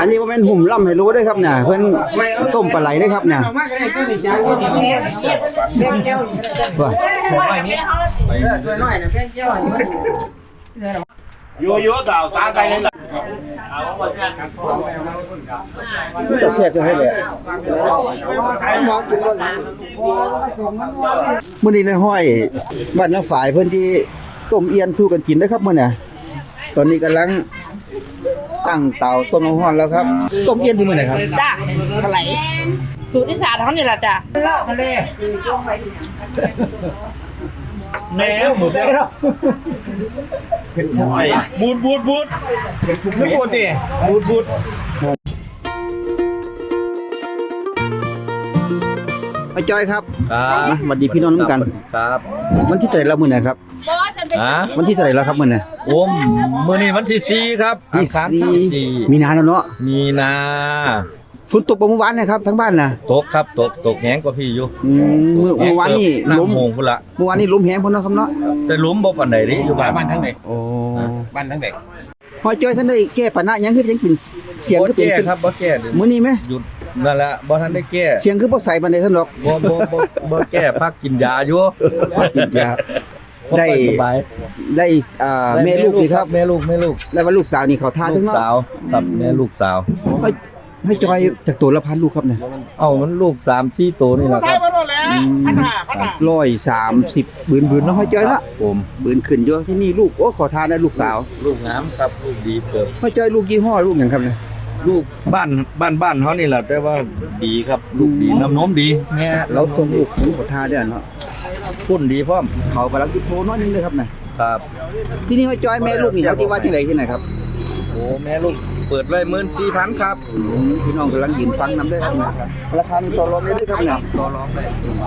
นนี้บ่แม่นหุ่มล่ำให้รู้ด้วยครับเนี่ยเพิ่นต้มปลาไหลได้ครับเนี่ยว่าอยู่ๆสาวตาใจเลยจะแซ่บจังให้เลยมื้อนี้เลยห้อยบ้านน้าฝ่ายเพิ่นที่ต้มเอียนสู้กันกินนะครับมื้อน่ะตอนนี้กำลังตั้งเตาต้มน้ำร้อนแล้วครับต้มเอียนที่มื้อไหนครับจ้าปลาไหลสูตรอีสานเขานี่แหละจ้ะเลาะทะเลแม่หมดแล้วเป็นหอยบูดไม่บูดดิบูดป้าจ้อยครับมาสวัสดีพี่น้องน้ำกันครับวันที่เท่าไหร่แล้วมื้อไหนครับวันที่เท่าไหร่แล้วครับมื้อไหนโอ้มื้อนี้วันที่4ครับที่4มีนาแล้วเนาะมีนาฝนตกบ่เมื่อวานนะครับทั้งบ้านน่ะตกครับตกแหงกว่าพี่อยู่เมื่อวานนี่ล้มโมงพุ่นละเมื่อวานนี่ล้มแหงพุ่นเนาะครับเนาะแต่ล้มบ่ปานใดดิอยู่บ้านทั้งใดโอ้บ้านทั้งใดพอจ้อยท่านได้แก้ปัญหาหยังคือยังเป็นเสียงคือเป็นครับบ่แก้มื้อนี้มั้ยหยุดนั่นแหละบ่ทันได้แก้เสียงคือบ่ใส่ปานใดท่านหรอกบ่แก้พักกินยาอยู่กินยาได้แม่ลูกนี่ครับแม่ลูกแล้วว่าลูกสาวนี่เขาท่าถึงเนาะลูกสาวครับแม่ลูกสาวให้จอยจากตัวละพันลูกครับเนี่ยมันลูก 3-4 ตัวนี่แหละครับ 130บืนเนาะให้จอยเนาะผมบืนขึ้นอยู่ที่นี่ลูกโอ้ขอทานได้ลูกสาวลูกงามครับลูกดีเกิบให้จอยลูกยี่ห้อลูกหยังครับเนี่ยลูกบ้านเฮานี่แหละแต่ว่าดีครับลูกดีน้ำนมดีแม่เราส่งลูกขอทานได้เนาะพุ่นดีพร้อมเขากำลังติดโทน้อยนึงเลยครับนะครับที่นี่ให้จอยแม่ลูกนี่เขาที่ว่าที่ไหนที่ไหนครับโอ้แม่ลูกเปิดไว้ 14,000 ครับพี่น้องกำลังยืนฟังนำได้ครับนะราคานี้ต่อรองได้ด้วยครับเนี่ยต่อรองได้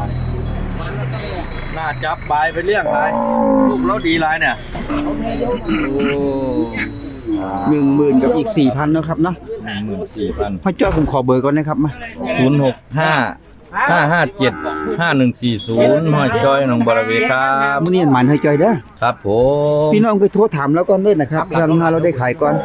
น่าจับปลายไปเลี้ยงหลายลูกเราดีหลายเนี่ยโอ้10,000กับอีก 4,000 เนาะครับเนาะ 14,000 พ่อจ้อยผมขอเบอร์ก่อนนะครับมา 065-5140ห้อยจ้อยหนองบัวระเวครับมื้อนี้มันให้จ้อยเด้อครับผมพี่น้องไปโทรถามแล้วก่อนเด้อนะครับทางเราได้ขายก่อน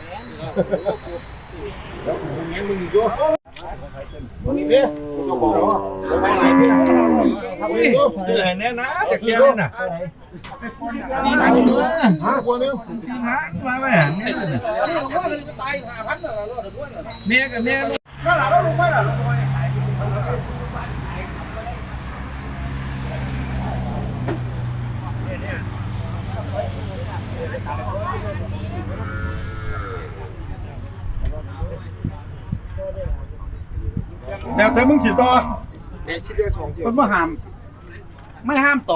ซื้อให้แน่นะจะเคี่ยวเลยนะ4,000มาแม่เมียกับเมียเดี๋ยวแต่มึงสิต่อมันไม่ห้ามต่อ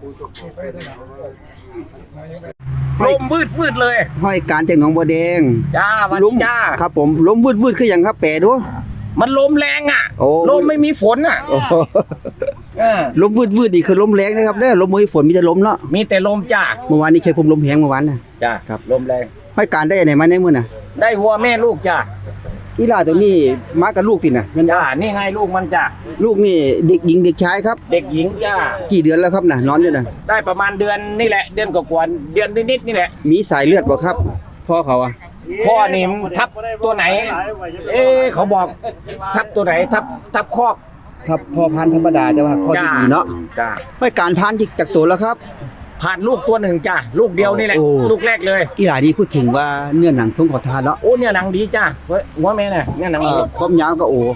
ลมวืดเลยห้อยการจากหนองบัวแดงจ้าวันจ้าครับผมลมวืดคืออย่างครับแปลดูมันลมแรงอ่ะลมไม่มีฝนอ่ะลมวืดนี่คือลมแรงนะครับเด้อลมไม่มีฝนมีแต่ลมเนาะมีแต่ลมจ้าเมื่อวานนี้เคยผมลมแหงเมื่อวานน่ะจ้าครับลมแรงห้อยการได้ไหนมาในมื้อน่ะได้หัวแม่ลูกจ้าอีหลาตัวนี้มากับลูกติน่ะจ้านี่ไงลูกมันจ้าลูกนี่เด็กหญิงเด็กชายครับเด็กหญิงจ้ากี่เดือนแล้วครับน่ะนอนอยู่น่ะได้ประมาณเดือนนี่แหละเดือนกว่าเดือนนิดนี่แหละมีสายเลือดบ่ครับพ่อเขาอ่ะพ่อนี่ทับตัวไหนเขาบอกทับตัวไหนทับคอกทับพ่อพันธุ์ธรรมดาแต่ว่าข้อดีเนาะจ้าไม่การพันธุ์จากตัวแล้วครับผ่านลูกตัวหนึ่งจ้าลูกเดียวนี่แหละลูกแรกเลยอีหลานี่พูดถึงว่าเนื้อหนังทรงขอทานเนาะโอ้เนี่ยหนังดีจ้าหัวแม่เนี่ยหนังความยาวก็โอ้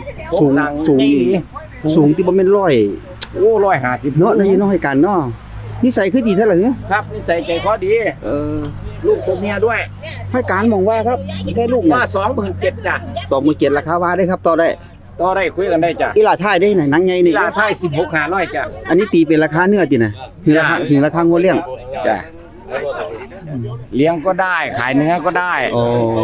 สูงที่บ่แม่น100 โอ้150 เนาะนี่น้องให้กันเนาะนิสัยคือดีเท่าไหร่เนี่ยครับนิสัยใจคอดีลูกตัวเมียด้วยให้การมองว่าครับได้ลูกว่า27,000จ้ะ 27,000ราคาว่าได้ครับต่อได้คุยกันได้จ้ะอีหลาท้ายได้ไหนหนังใหญ่นี่อีหลาท้าย16,500จ้ะอันนี้ตีเป็นราคาเนื้อติน่ะถึงราคางัวเลี้ยงจ้ะเลี้ยงก็ได้ขายเนื้อก็ได้โอ้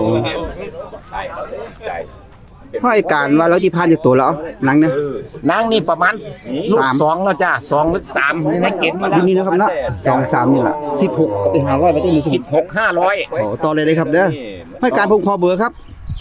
ให้การว่าเราที่พานจากตัวแล้วหนังเนี่ยหนังนี่ประมาณลูก2แล้วจ้ะ2หรือ3นี่นะเก็บมานี่นะครับเนาะ2 3นี่ล่ะ16ก็ไป500ไปได้ 16,500 โอ้ต่อเลยครับเด้อให้การผมขอเบอร์ครับ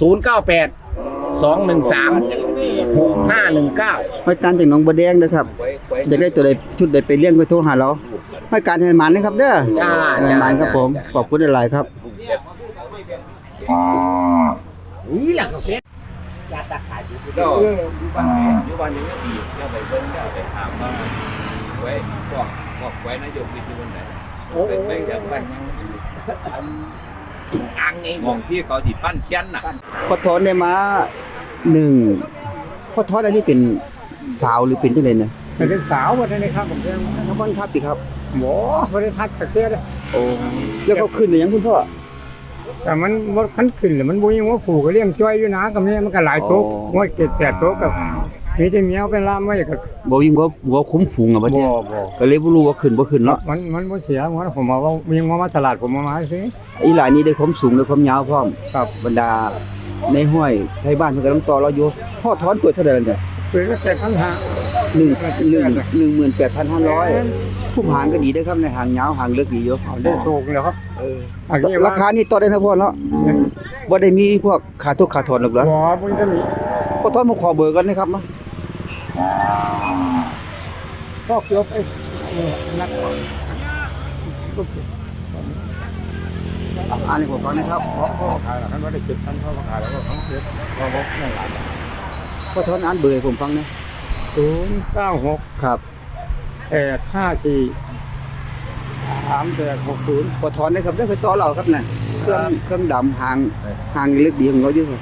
098-213-6519 ให้การจากหนองบัวแดงนะครับจะได้ตัวใดชุดใดไปเลี้ยงไปโทรหาเราให้การให้มันนะครับเด้อมันครับผมขอบคุณหลายๆครับนี่แหละก็เป็นก็อยู่บ้านไหนอยู่บ้านยังไม่ดีก็ไปเบิ่งก็ไปถามว่าไว้บอกไว้นายกวิทย์อยู่บนไหนเป็นไปจากบ้านอังเองมองที่เขาที่ปั้นเขียนน่ะพอถอนได้มาหนึ่งพอถอนอันนี้เป็นสาวหรือเป็นจังได๋เนี่ยเป็นสาววันนี้ครับผมเรียกน้ำมันทับติครับหมอวันนี้ทักตะเกียบเลยโอ้แล้วเขาขึ้นได้ยังคุณพ่อแต่มันว่าขันขึ้นเลยมันบุญว่าผูกก็เลี้ยงช่วยอยู่นะกับเนี่ยมันก็หลายโต๊ะว่าเจ็ดแปดโต๊ะกับมีแต่เมียวเป็นล่ามไว้กับบ่ยิงบ่คุ้มฝูงอ่ะบัดบ่เนี้ยบ่ก็เลยบ่รู้ว่าขึ้นบ่ขึ้นเนาะมันบ่เสียหมดผมมาว่ามีมาตลาดผมมาซื้ออีหลายนี้ได้ความสูงได้ความยาวพร้อมครับบรรดาในห้วยไทบ้านเพิ่นก็ต้องต่อเราอยู่พอถอนเปิดเท่าใดเนี่ยเปิดก็แต่ปัญหา 18,500ผู้หางก็ดีเด้อครับในหางยาวหางเล็กดีอยู่ได้โชคแล้วครับอันนี้ราคานี่ต่อได้นะพ่อเนาะบ่ได้มีพวกค่าทุกค่าถอนหรอกเหรอบ่มันจะมีพอถอนมาขอเบอร์กันนะครับเนาะก็เกือบนักอ่านให้ผมฟังนะครับพ่อขายแล้วมันได้7,000พ่อขายแล้วก็ทั้งเจ็ดพ่อบอกนั่นหลายพอถอนอ่านเบอร์ให้ผมฟังนะ 096 ครับ 854 3860 พอถอนได้ครับได้เคยต่อเราครับน่ะเครื่องดำหางเล็กดีของเราอยู่ครับ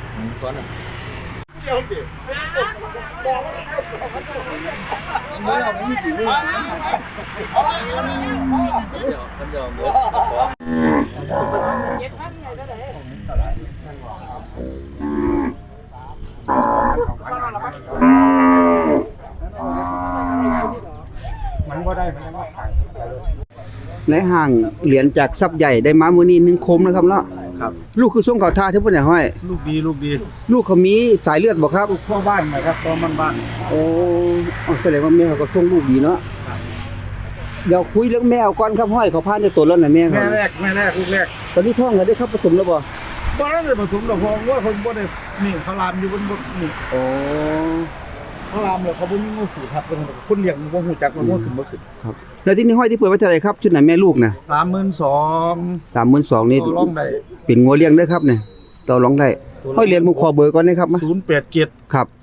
มันบ่ได้มันก็ขายในห่างเหรียญจากทรัพย์ใหญ่ได้มามื้อนี้1คมนะครับเนาะครับลูกคือส่งเขาท่าเท่าบ่ได้ห้อยลูกดีลูกเขามีสายเลือดบ่ครับทั่วบ้านนะครับตัวมันบ้านโอ้แสดงว่าแม่เขาก็ส่งลูกดีเนาะเดี๋ยวคุยเรื่องแม่เอาก่อนครับห้อยเขาพานจะตัวแล้วน่ะแม่เขาแม่แรกลูกแรกตอนนี้ท้องแล้วได้ครับผสมแล้วบ่บ่ได้ผสมดอกพองว่าคนบ่ได้นี่เขาลามอยู่บนนี่โอ้เขาลามเลยเขาบ่มีงูขู่ทับคนเลี้ยงบ่ฮู้จักว่างูขึ้นบ่ขึ้นครับแล้วที่นี่ห้อยที่เปิดไว้เท่าไหร่ครับชุดไหนแม่ลูกน่ะ 32,000 32,000นี่ต่อรองได้เป็นงัวเลี้ยงเด้อครับเนี่ยต่อรองได้ห้อยเหรียญผมขอเบอร์ก่อนนะครับมา 087 ครับ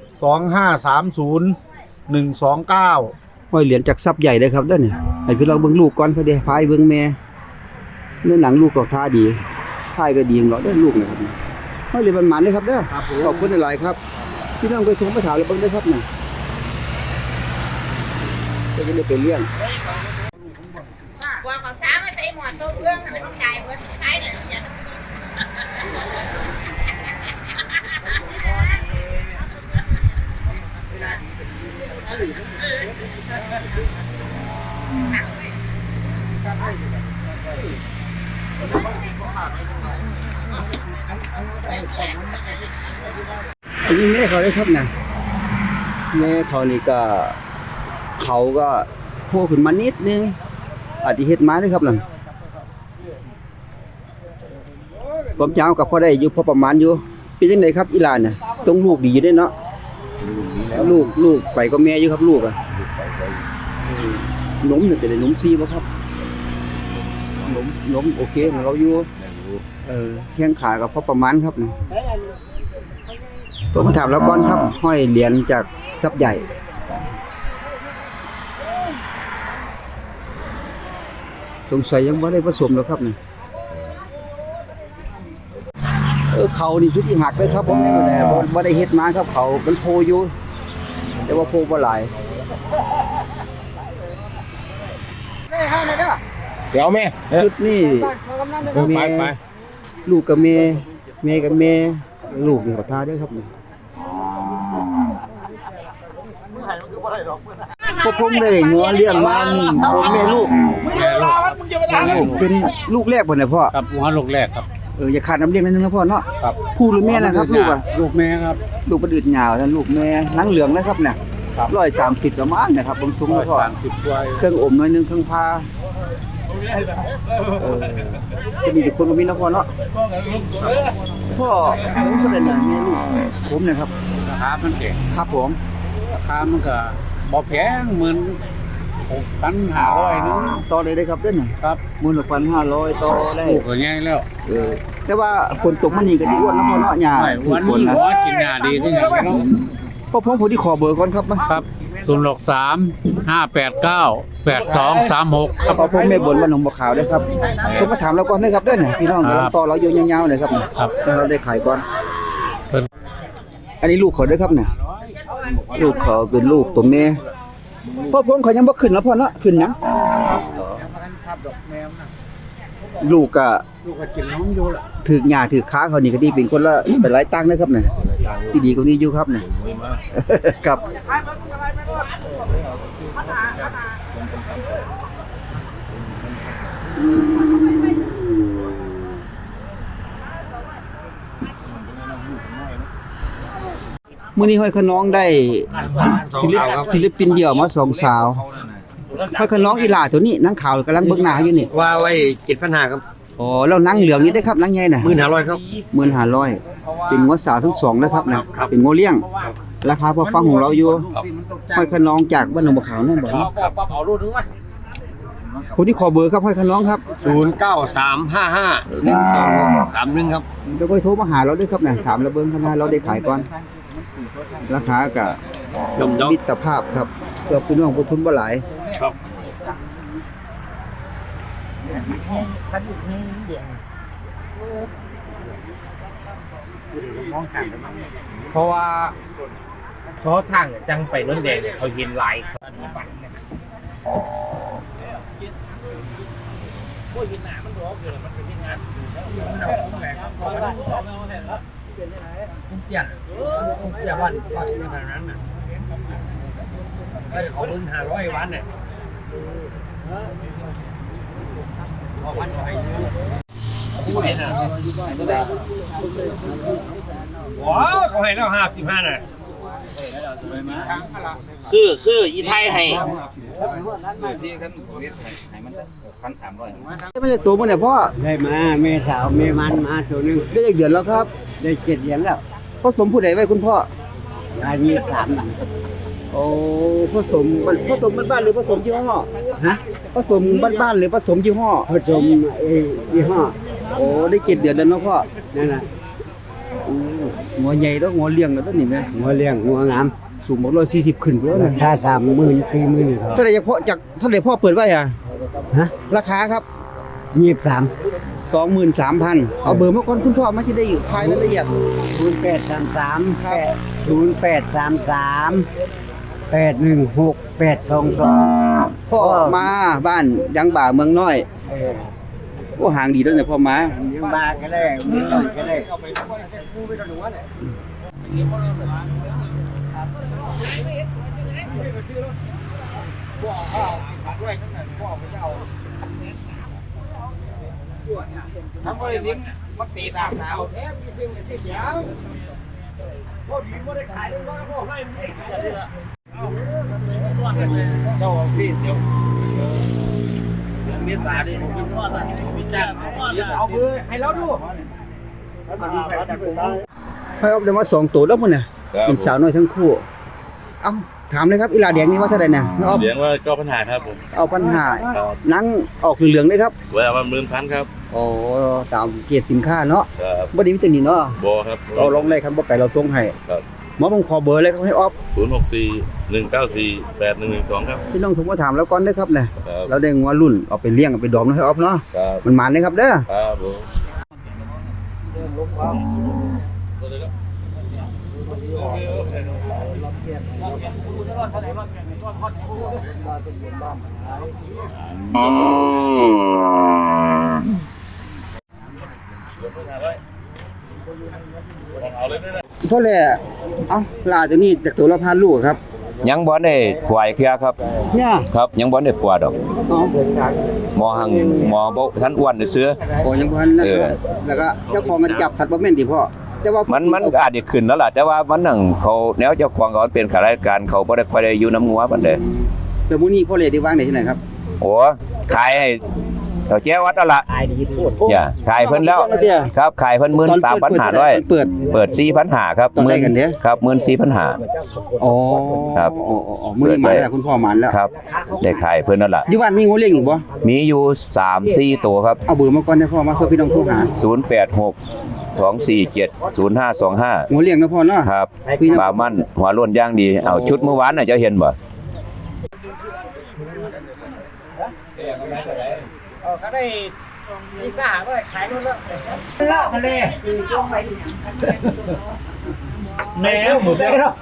2530 129 ห้อยเหรียญจากทรัพย์ใหญ่เด้อครับเด้อเนี่ยให้พี่ลองเบิ่งลูกก่อนเขาเด้พายเบิ่งแม่เนื้อหนังลูกก็ท่าดีพายก็ดีของเราเด้อลูกนะครับห้อยเหรียญมันหมานเด้อครับเด้อครับผมขอบคุณหลายๆครับพี่น้องไปทงไปถามแล้วเบิ่งเด้อครับน่ะจะได้ไปเลี้ยงว่าเขาสามารถใส่หมอนตัวเอื้องมันจ่ายเบิดขายเลยเนี่ยอันนี้แม่เขาได้ครับนะแม่เขานี่ก็เขาก็โผล่ขึ้นมานิดนึงอาจจะเฮ็ดมาเด้อครับนั่นผมเจ้ากับพ่อได้อยู่พอประมาณอยู่เป็นจังไดครับอีหลานน่ะส่งลูกดีอยู่เด้เนาะลูกไปก็แม่อยู่ครับลูกอ่ะนมนี่เป็นนมซีบ่ครับนมโอเคของเราอยู่แข้งขากับพอประมาณครับนี่ผมมาถามแล้วก่อนครับห้อยเหรียญจากทรัพย์ใหญ่สงสัยยังบ่ได้ผสมหรอกครับนี่เขานี่คือที่หักเลยครับผมนี่แต่บ่ได้เฮ็ดมาครับเขาเป็นโพอยู่แต่ว่าโพบ่หลายเดี๋ยวแม่ชุดนี่ไปลูกกับแม่กับแม่ลูกนี่เขาทาด้วยครับนี่พวกผมได้งัวเลี้ยงมานี่ผมแม่ลูกเป็นลูกแรกบ่เนี่ยพ่อครับหัวลูกแรกครับอย่าขาดน้ำเลี้ยงนิดนึงนะพ่อเนาะครับผู้หรือแม่นะครับลูกอ่ะลูกแม่ครับลูกประดืดหยาวท่านลูกแม่หนังเหลืองนะครับเนี่ยครับ 130ประมาณนะครับผมสูงแล้วพ่อ 130ตัวเครื่องอมหน่อยนึงเครื่องพาจะมีแต่คนบ่มีนะพ่อเนาะพ่อผมก็เป็นแม่ลูกผมนะครับราคามันเก่งครับผมราคามันก็บ่แพงเหมือน6,500นึงต่อเลยได้ครับเด้อนี่ครับ 16,500ต่อได้ลูกก็ใหญ่แล้วเออแต่ว่าฝนตกมันนี่ก็ดีอ้วนนะพ่อเนาะหญ้าถูกฝนนะกินหญ้าดีขึ้นอย่างนี้พ่อผมผู้ที่ขอเบอร์ก่อนครับมาครับ063-589-8236ครับพ่อผมแม่บนบ้านหนองบัวขาวเด้อครับผมมาถามเราก่อนเด้อครับเด้อเนี่ยพี่น้องกำลังต่อเราอยู่ยาวๆเลยครับครับแล้วเราได้ขายก่อนเพิ่นอันนี้ลูกเขาเด้อครับเนี่ยลูกเขาเป็นลูกตัวแม่พ่อผมเขายังบ่ขึ้นแล้วพ่อเนาะขึ้นหยังลูกก็ลูกก็กินน้ำอยู่ล่ะถือหญ้าถือค้าเขานี่ก็ดีเป็นคนละเป็นหลายตังค์นะครับเนี่ยที่ดีกว่านี้อยู่ครับเนี่ย ครับมื้อนี้ห้อยขน้องได้ศิลปินเดี่ยวมา2สาวห้อยขน้องอีหล่าตัวนี้นางขาวกำลังเบิ่งหน้าอยู่นี่ว่าไว้7,500ครับอ๋อแล้วนางเหลืองนี่ได้ครับนางใหญ่น่ะ 1,500ครับ 15,000เป็นงัวสาวทั้งสองนะครับนะครับ เป็นงัวเลี้ยง ราคาพอฟังของเราอยู่ห้อยขน้องจากบ้านหนองบัวขาวนั่นบ่คนที่ขอเบอร์ครับห้อยขน้องครับ 093551231ครับเดี๋ยวก็โทรมาหาเราด้วยครับนะถามเราเบิ่งข้างหน้าเราได้ขายก่อน ราคาก็ย่อมมิตรภาพครับเพื่อพี่น้องผู้ทุนบ่หลายครับเพราะว่าชอทางจังไปน้นแดงเนี่ยเขาเห็นหลายอย่าวันปักอย่างนั้นน่ะได้ของ1,500วันเนี่ยออกวันก็ให้อยู่ว้าวเขาให้แล้ว55น่ะซื้ออีไทยให้ไม่ใช่ตัวมันเนี่ยพ่อได้มาแม่สาวแม่มันมาตัวนึงได้อีกเดือนแล้วครับได้7เหรียญแล้วผสมผู้ใดไว้คุณพ่ออันนี้3บาทโอ้ผสมบ้านๆหรือผสมยี่ห้อฮะผสมบ้านๆหรือผสมยี่ห้อผสมยี่ห้อโอ้ได้7เดือนแล้วเนาะพ่อนั่นน่ะหัวใหญ่แล้วหัวเลี้ยงแล้วตัวนี้แม่หัวเลี้ยงหัวงามสูงบ่140ขึ้นแล้วรานะคา30,000 40,000ครับเท่าไหร่เท่าไหร่พ่อเปิดไว้อ่ะฮะราคาครับ 23 23,000เอาเบอร์มาก่อนคุณพ่อมาที่ได้อยู่ทายรายละเอียด 0833 0822 พ่อมาบ้านยังบ่าเมืองน้อยโอ้ห่างดีแล้วเนี่ยพ่อมายังบาก็ได้มีหน่อยก็ได้ให้เอาได้มา2ตัวแล้วพุ่นน่ะเป็นสาวน้อยทั้งคู่เอ้าถามเลยครับอีหลาแดงนี่ว่าเท่าไหร่เนี่ยเอาเลี้ยงว่าก็ปัญหาครับผมเอาปัญหาหนังออกเหลืองๆเลยครับเวลามัน11,000ครับโอ้ตามเกียรติสินค้าเนาะครับบ่ได้มีตัวนี้เนาะบอครับเราลงได้ครับบ่ไก่เราส่งให้ครับหมอผมขอเบอร์เลยครับให้ออฟ 064-194-8112ครับพี่น้องโทรมาถามแล้วก่อนเด้อครับเนี่ยครับเราได้งัวรุ่นเอาไปเลี้ยงเอาไปดอมให้ออฟเนาะครับมันหมานเด้อครับเด้อครับผมเพราะแหละเอ้าลาตัวนี้จากตัวละพันลูกครับยังบ่ได้ถวายเครือครับเนี่ยครับยังบ่ได้ปัวดอกอ๋อหมอหังหมอบ่ทันอ้วนเสื้อโอ้ยังบ่ทันแล้วก็แล้วก็เจ้าของมันจับสัตว์บ่แม่นติพ่อแต่ว่ามันอาจจะขึ้นแล้วล่ะแต่ว่ามันนั่งเขาแนวเจ้าของเขาเป็นข้าราชการเขาบ่ได้ค่อยได้อยู่น้ำงัวปานใดแต่มื้อนี้พ่อเลยได้วางได้ที่ไหนครับโอ้ขายให้เต่าแจ้วัดเอาล่ะอย่าขายเพิ่นแล้วครับขายเพิ่น 13,500 เปิดเปิด 4,500 ครับต้องได้กันเด้อครับ 14,500 อ๋อครับอ๋อมื้อนี้มาแล้วคุณพ่อมาแล้วครับได้ขายเพิ่นนั่นล่ะอยู่บ้านมีงูเลี้ยงอีกบ่มีอยู่ 3-4 ตัวครับเอาเบอร์มาก่อนได้พ่อมาเพื่อพี่น้องโทรหา 086 247 0525 งูเลี้ยงนะพ่อเนาะครับพี่น้องปลามันหัวล้วนย่างดีเอาชุดเมื่อวานน่ะเจ้าเห็นบ่ก็ได้ซีซ่าก็ขายหมดแล้วล่าทะเลแหนมหมูเด้อ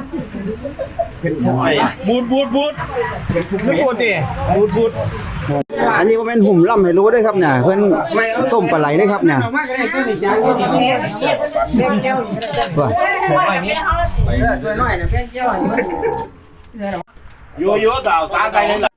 บูดไม่ปกติบูดอันนี้บ่แม่นหุ่มล่ำให้รู้เด้อครับเนี่ยเพิ่นต้มปลาไหลเด้อครับเนี่ยว่าโยโย่สาวตาใจเลยล่ะ